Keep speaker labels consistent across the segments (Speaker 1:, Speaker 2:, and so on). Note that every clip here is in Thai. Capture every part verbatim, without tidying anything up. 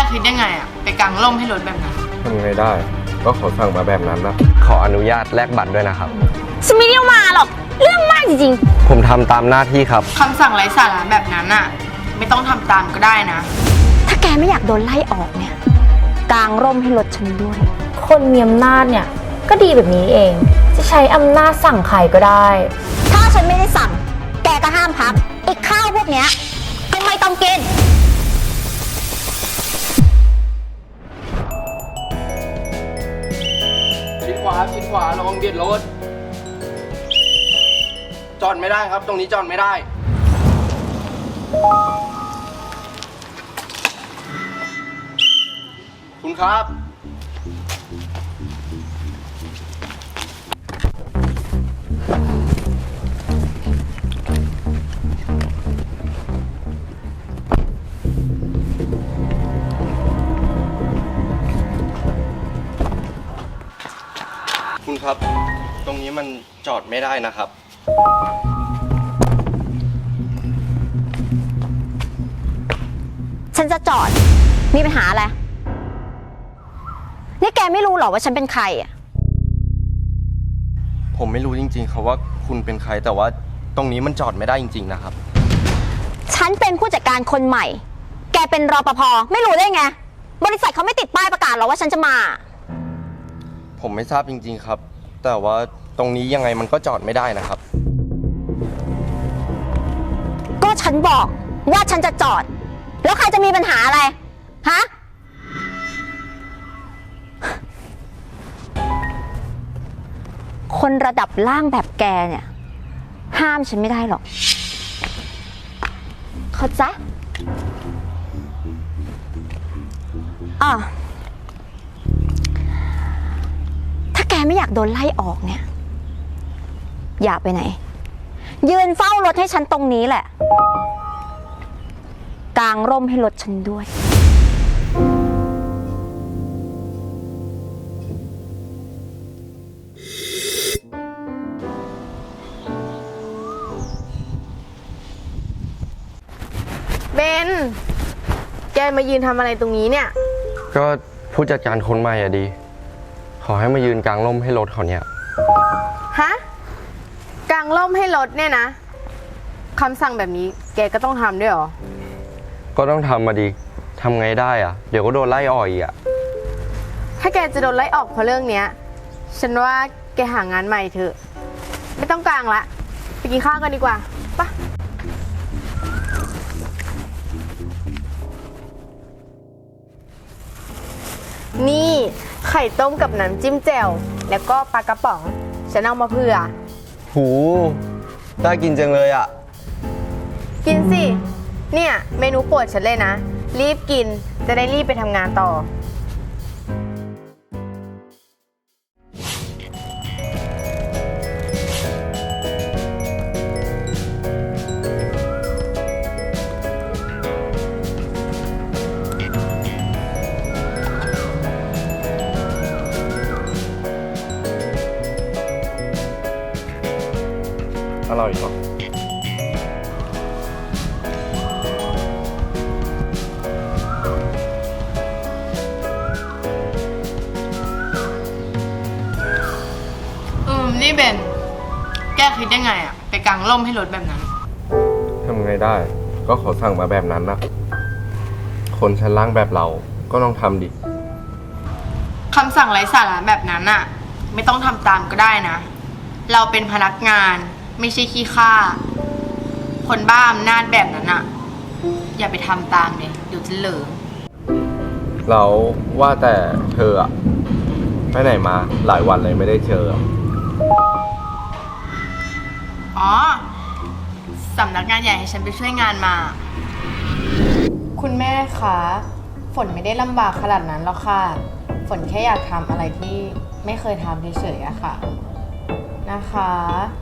Speaker 1: คิดได้ไงอะไปกางร่มให้รถแบบนั้น
Speaker 2: ทำไงได้ก็ขอสั่งมาแบบนั้นนะขออนุญาตแลกบัตรด้วยนะครับ
Speaker 3: ฉันไม่ได้มาหรอกเรื่องมากจริง
Speaker 2: ๆผมทำตามหน้าที่ครับ
Speaker 1: คำสั่งไร้สาระแบบนั้นอะไม่ต้องทำตามก็ได้นะ
Speaker 3: ถ้าแกไม่อยากโดนไล่ออกเนี่ยกางร่มให้รถฉันด้วย
Speaker 4: คนมีอำนาจเนี่ยก็ดีแบบนี้เองจะใช้อำนาจสั่งใครก็ได้
Speaker 3: ถ้าฉันไม่ได้สั่งแกก็ห้ามพักไอ้ข้าวพวกเนี้ยก็ไม่ต้องกิน
Speaker 2: ชิดขวาชิดขวาระวังเบียดรถจอดไม่ได้ครับตรงนี้จอดไม่ได้คุณครับคุณครับตรงนี้มันจอดไม่ได้นะครับ
Speaker 3: ฉันจะจอดมีปัญหาอะไรนี่แกไม่รู้หรอว่าฉันเป็นใครอ่ะ
Speaker 2: ผมไม่รู้จริงๆครับว่าคุณเป็นใครแต่ว่าตรงนี้มันจอดไม่ได้จริงๆนะครับ
Speaker 3: ฉันเป็นผู้จัดการคนใหม่แกเป็นรปภไม่รู้ได้ไงบริษัทเขาไม่ติดป้ายประกาศหรอว่าฉันจะมา
Speaker 2: ผมไม่ทราบจริงๆครับแต่ว่าตรงนี้ยังไงมันก็จอดไม่ได้นะครับ
Speaker 3: ก็ฉันบอกว่าฉันจะจอดแล้วใครจะมีปัญหาอะไรฮะคนระดับล่างแบบแกเนี่ยห้ามฉันไม่ได้หรอกเข้าใจอ่ะถ้าแกไม่อยากโดนไล่ออกเนี่ยอย่าไปไหนยืนเฝ้ารถให้ฉันตรงนี้แหละกางร่มให้รถฉันด้วย
Speaker 4: เบนแกมายืนทำอะไรตรงนี้เนี่ย
Speaker 2: ก็ผู้จัดการคนใหม่อะดีขอให้มายืนกลางร่มให้รถเขาเนี่ย
Speaker 4: ฮะกางร่มให้รถเนี่ยนะคำสั่งแบบนี้แกก็ต้องทำด้วยเหรอ
Speaker 2: ก็ต้องทำมาดีทำไงได้อะเดี๋ยวก็โดนไล่ออกอีกอะ
Speaker 4: ถ้าแกจะโดนไล่ออกเพราะเรื่องเนี้ยฉันว่าแกหางานใหม่เถอะไม่ต้องกางละไปกินข้าวกันดีกว่าปะนี่ไข่ต้มกับน้ำจิ้มแจ่วแล้วก็ปลากระป๋องฉันเอามาเผื่อ
Speaker 2: หูน่ากินจังเลยอ่ะ
Speaker 4: กินสิเนี่ยเมนูโปรดฉันเลยนะรีบกินจะได้รีบไปทำงานต่อ
Speaker 2: อร่อยครับ
Speaker 1: อืมนี่เบนแกคิดได้ไงอะไปกางร่มให้รถแบบนั้น
Speaker 2: ทำไงได้ก็ขอสั่งมาแบบนั้นนะคนชั้นล่างแบบเราก็ต้องทำดิ
Speaker 1: คำสั่งไร้สาระแบบนั้นอะไม่ต้องทำตามก็ได้นะเราเป็นพนักงานไม่ใช่ขี้ข้าคนบ้าอำนาจแบบนั้นอะอย่าไปทำตามเลยเดี๋ยวจะเหลิง
Speaker 2: เราว่าแต่เธออะไปไหนมาหลายวันเลยไม่ได้เจอ
Speaker 1: อ๋อสำนักงานใหญ่ให้ฉันไปช่วยงานมา
Speaker 4: คุณแม่คะฝนไม่ได้ลำบากขนาดนั้นหรอกค่ะฝนแค่อยากทำอะไรที่ไม่เคยทำเฉยๆอะค่ะนะคะ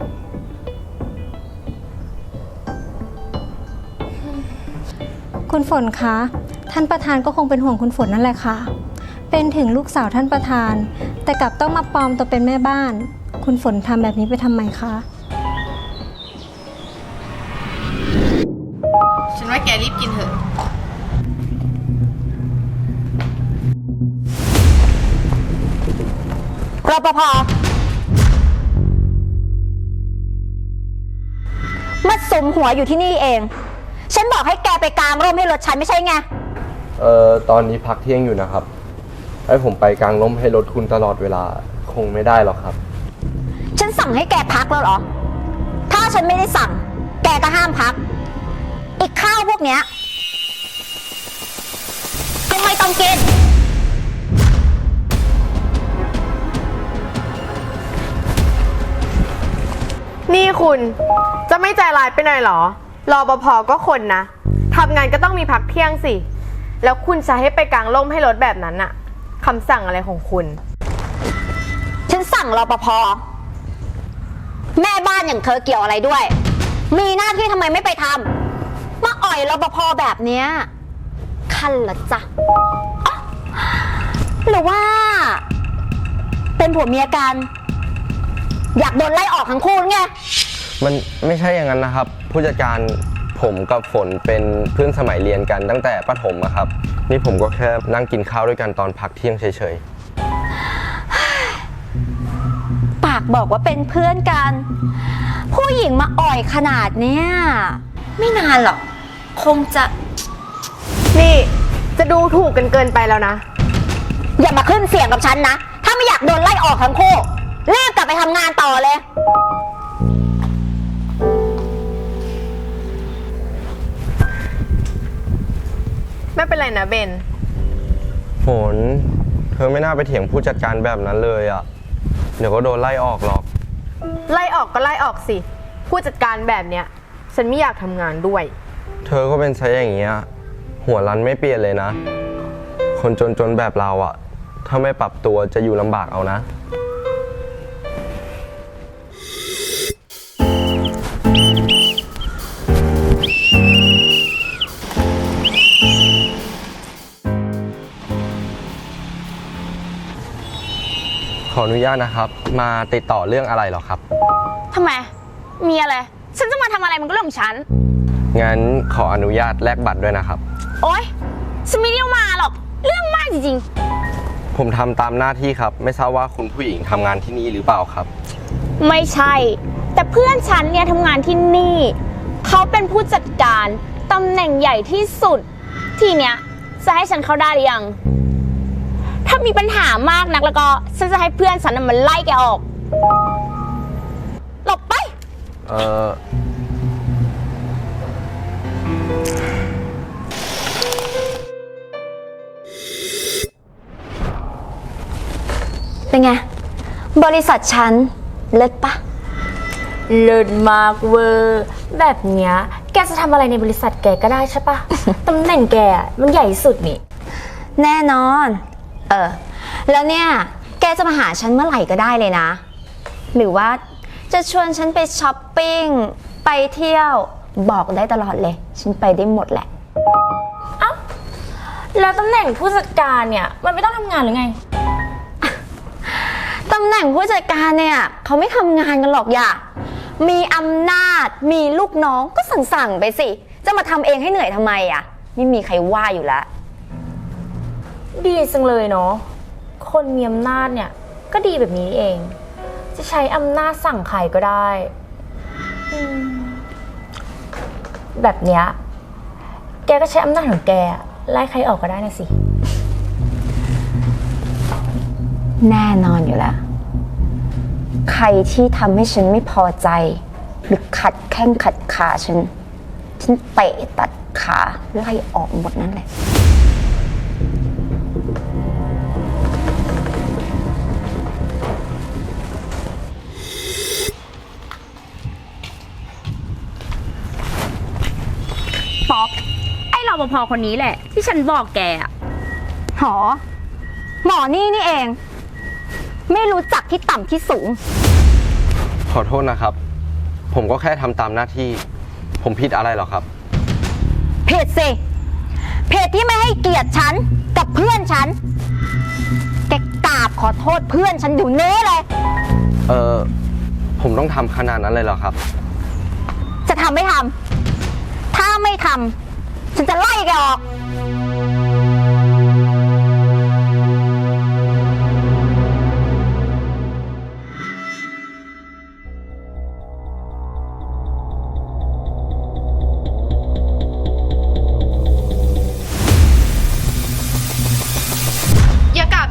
Speaker 5: คุณฝนคะท่านประธานก็คงเป็นห่วงคุณฝนนั่นแหละค่ะเป็นถึงลูกสาวท่านประธานแต่กลับต้องมาปลอมตัวเป็นแม่บ้านคุณฝนทำแบบนี้ไปทำไมคะ
Speaker 1: ฉันว่าแกรีบกินเถอะ
Speaker 3: รปภมาสุมหัวอยู่ที่นี่เอง ฉันบอกให้แกไปกางร่มให้รถฉันไม่ใช่ไง
Speaker 2: เอ่อ ตอนนี้พักเที่ยงอยู่นะครับ ให้ผมไปกางร่มให้รถคุณตลอดเวลาคงไม่ได้หรอกครับ
Speaker 3: ฉันสั่งให้แกพักแล้วเหรอ ถ้าฉันไม่ได้สั่ง แกก็ห้ามพัก อีกข้าวพวกเนี้ยก็ไม่ต้องกิน
Speaker 4: นี่คุณจะไม่ใจร้ายไปหน่อยเหรอรปภก็คนนะทำงานก็ต้องมีพักเที่ยงสิ แล้วคุณจะให้ไปกางร่มให้รถแบบนั้นอะคำสั่งอะไรของคุณ
Speaker 3: ฉันสั่งรปภแม่บ้านอย่างเธอเกี่ยวอะไรด้วย มีหน้าที่ทำไมไม่ไปทำมาอ่อยรปภแบบเนี้ยคันเหรอจ๊ะอ๊ะหรือว่า เป็นผัวเมียกัน อยากโดนไล่ออกทั้งคู่หรือไง
Speaker 2: มันไม่ใช่อย่างนั้นนะครับ ผู้จัดการผมกับฝนเป็นเพื่อนสมัยเรียนกันตั้งแต่ประถมอะครับ นี่ผมก็แค่นั่งกินข้าวด้วยกันตอนพักเที่ยงเฉย
Speaker 3: ปากบอกว่าเป็นเพื่อนกัน ผู้หญิงมาอ่อยขนาดเนี้ยไม่นานหรอก คงจะ
Speaker 4: นี่จะดูถูกกันเกินไปแล้วนะ
Speaker 3: อย่ามาขึ้นเสียงกับฉันนะ ถ้าไม่อยากโดนไล่ออกทั้งคู่รีบกลับไปทำงานต่อเลย
Speaker 4: ไม่เป็นไรนะเบน
Speaker 2: ๆ ฝน เธอไม่น่าไปเถียงผู้จัดการแบบนั้นเลยอะเดี๋ยวก็โดนไล่ออกหรอก
Speaker 4: ไล่ออกก็ไล่ออกสิ ผู้จัดการแบบเนี้ยฉันไม่อยากทำงานด้วย
Speaker 2: เธอก็เป็นไซส์อย่างเงี้ยหัวรั้นไม่เปลี่ยนเลยนะ คนจนๆแบบเราอะถ้าไม่ปรับตัวจะอยู่ลำบากเอานะ ขออนุญาตนะครับ มาติดต่อเรื่องอะไรหรอครับ
Speaker 3: ทำไม มีอะไร ฉันจะมาทำอะไรมันก็เรื่องของฉัน
Speaker 2: งั้นขออนุญาตแลกบัตรด้วยนะครับ
Speaker 3: โอ๊ย ฉันไม่ได้มาหรอก เรื่องมากจริง
Speaker 2: ผมทำตามหน้าที่ครับ ไม่ทราบว่าคุณผู้หญิงทำงานที่นี่หรือเปล่าครับ
Speaker 3: ๆ ไม่ใช่ แต่เพื่อนฉันเนี่ยทำงานที่นี่ เขาเป็นผู้จัดการตำแหน่งใหญ่ที่สุด ทีเนี้ยจะให้ฉันเข้าได้หรือยัง ถ้ามีปัญหามากนักแล้วก็ฉันจะให้เพื่อนฉันน่ะมันไล่แกออก หลบไป
Speaker 2: เออ
Speaker 3: เป็นไง บริษัทฉันเลิศปะ
Speaker 6: เลิศมากเวอร์แบบเนี้ยแกจะทำอะไรในบริษัทแกก็ได้ใช่ปะ ตำแหน่งแกอะมันใหญ่ที่สุดนี่
Speaker 3: แน่นอน เออ แล้วเนี่ย แกจะมาหาฉันเมื่อไหร่ก็ได้เลยนะ หรือว่าจะชวนฉันไปช้อปปิ้ง ไปเที่ยว บอกได้ตลอดเลย ฉันไปได้หมดแหละ
Speaker 6: แล้วตำแหน่งผู้จัดการเนี่ยมันไม่ต้องทำงานหรือไง
Speaker 3: ตำแหน่งผู้จัดการเนี่ยเขาไม่ทำงานกันหรอกอย่า มีอำนาจ มีลูกน้องก็สั่งๆไปสิ จะมาทำเองให้เหนื่อยทำไมอ่ะ ไม่มีใครว่าอยู่แล้ว
Speaker 6: ดีจังเลยเนาะ คนมีอำนาจเนี่ยก็ดีแบบนี้เอง จะใช้อำนาจสั่งใครก็ได้อืมแบบเนี้ยแกก็ใช้อำนาจของแกไล่ใครออกก็ได้นะสิ
Speaker 3: แน่นอนอยู่แล้ว ใครที่ทำให้ฉันไม่พอใจ หรือขัดแข้งขัดขาฉัน ฉันเตะตัดขาไล่ออกหมดนั่นแหละ
Speaker 7: ป๊อป ไอ้รปภคนนี้แหละ ที่ฉันบอกแกอะ
Speaker 3: หอ หมอนี่นี่เอง ไม่รู้จักที่ต่ำที่สูง
Speaker 2: ขอโทษนะครับ ผมก็แค่ทำตามหน้าที่ ผมผิดอะไรหรอครับ
Speaker 3: เพจสิ เพจที่ไม่ให้เกียรติฉันกับเพื่อนฉัน แกกราบขอโทษเพื่อนฉันอยู่เน้เลย
Speaker 2: เออผมต้องทำขนาดนั้นเลยเหรอครับ
Speaker 3: จะทำไม่ทำ ถ้าไม่ทำ ฉันจะไล่แกออก
Speaker 2: ผ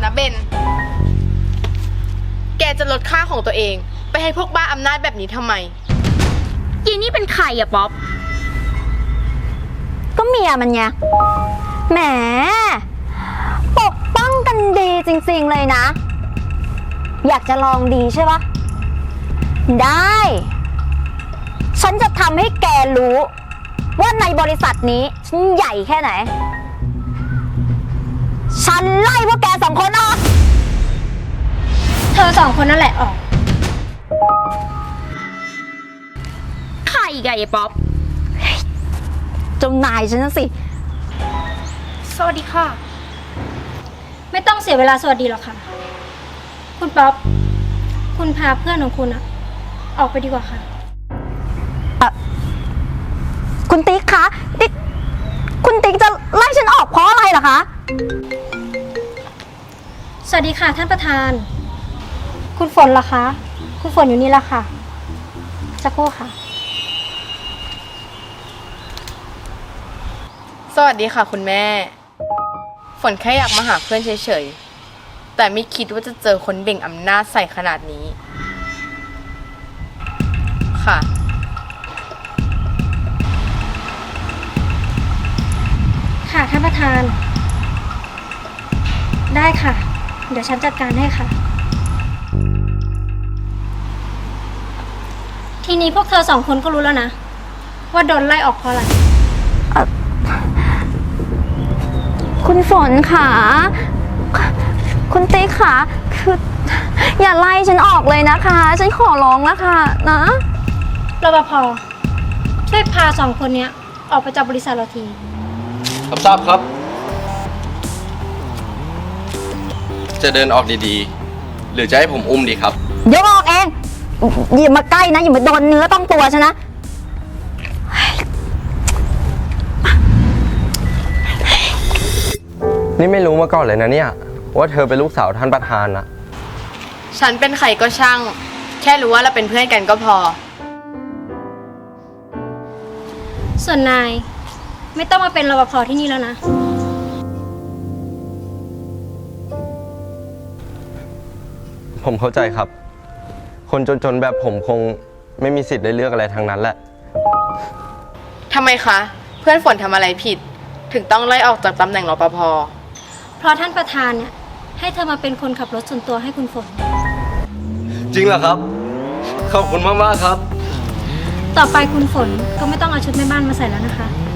Speaker 1: นะเบน แกจะลดค่าของตัวเอง ไปให้พวกบ้าอำนาจแบบนี้ทำไม
Speaker 7: ยีนี่เป็นใครอะป๊อป
Speaker 3: ก็เมียมันไง แหม ปกป้องกันดีจริงๆเลยนะ อยากจะลองดีใช่ปะได้ ฉันจะทำให้แกรู้ ว่าในบริษัทนี้ฉันใหญ่แค่ไหน ฉันไล่พวกแกสองคนออก
Speaker 5: เธอสองคนนั่นแหละออก
Speaker 7: ใครอีกอะไอ้ป๊อป
Speaker 3: เจ้านายฉันนะสิ
Speaker 5: สวัสดีค่ะ ไม่ต้องเสียเวลาสวัสดีหรอกค่ะ คุณป๊อป คุณพาเพื่อนของคุณอะออกไปดีกว่าค่ะ
Speaker 3: คุณติ๊กคะนี่คุณติ๊กจะไล่ฉันออกเพราะอะไรเหรอคะ
Speaker 5: สวัสดีค่ะท่านประธาน คุณฝนล่ะคะ คุณฝนอยู่นี่ละค่ะสักครู่ค่ะ
Speaker 1: สวัสดีค่ะคุณแม่ ฝนแค่อยากมาหาเพื่อนเฉยๆ แต่ไม่คิดว่าจะเจอคนเบ่งอำนาจใส่ขนาดนี้ ค่ะ
Speaker 5: ค่ะท่านประธาน ได้ค่ะ เดี๋ยวฉันจัดการให้ค่ะ ทีนี้พวกเธอสองคนก็รู้แล้วนะ ว่าโดนไล่ออกเพราะอะไร
Speaker 3: คุณฝนค่ะ คุณติ๊กค่ะ คือ อย่าไล่ฉันออกเลยนะคะ ฉันขอร้องแล้วค่ะนะ
Speaker 5: รปภ ช่วยพาสองคนเนี้ย ออกไปจากบริษัทเราที
Speaker 2: รับทราบครับ จะเดินออกดีๆ หรือจะให้ผมอุ้มดีครับ
Speaker 3: เดี๋ยวออกเองอย่ามาใกล้นะ อย่ามาโดนเนื้อต้องตัวฉันนะ
Speaker 2: นี่ไม่รู้มาก่อนเลยนะเนี่ย ว่าเธอเป็นลูกสาวท่านประธานนะ
Speaker 1: ฉันเป็นใครก็ช่าง แค่รู้ว่าเราเป็นเพื่อนกันก็พอ
Speaker 5: ส่วนนาย ไม่ต้องมาเป็นรปภที่นี่แล้วนะ
Speaker 2: ผมเข้าใจครับ คนจนๆแบบผมคงไม่มีสิทธิ์ได้เลือกอะไรทางนั้นแหละ
Speaker 1: ทำไมคะ เพื่อนฝนทำอะไรผิด ถึงต้องไล่ออกจากตำแหน่งรปภ
Speaker 5: เพราะท่านประธานเนี่ยให้เธอมาเป็นคนขับรถส่วนตัวให้คุณฝน
Speaker 2: จริงเหรอครับ ขอบคุณมากๆครับ
Speaker 5: ต่อไปคุณฝนก็ไม่ต้องเอาชุดแม่บ้านมาใส่แล้วนะคะ